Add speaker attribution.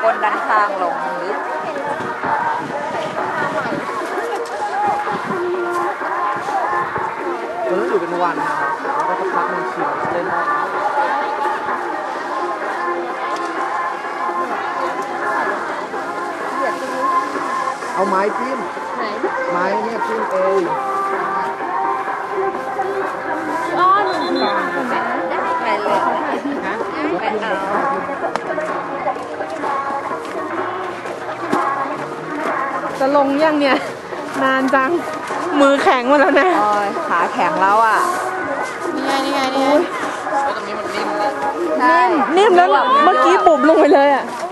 Speaker 1: ก้นด้านข้างลงลึก
Speaker 2: อยู่เป็นวันนะครับแล้วก็สักพักหนึ่งชิมเล่นได้เอาไม้จิ้มไม้เนี่ยจิ้มเอง
Speaker 1: อ้อนได้ไปเลยนะไปเอา
Speaker 3: จะลงยังเนี่ยนานจังมือแข็งมาแล้วนะ
Speaker 1: ขาแข็งแล้วอ่ะ
Speaker 3: นี่ไง
Speaker 2: ตรงนี้มันนิ่มเลย
Speaker 3: นิ่มแล้วเมื่อกี้บุบลงไปเลยอ่ะ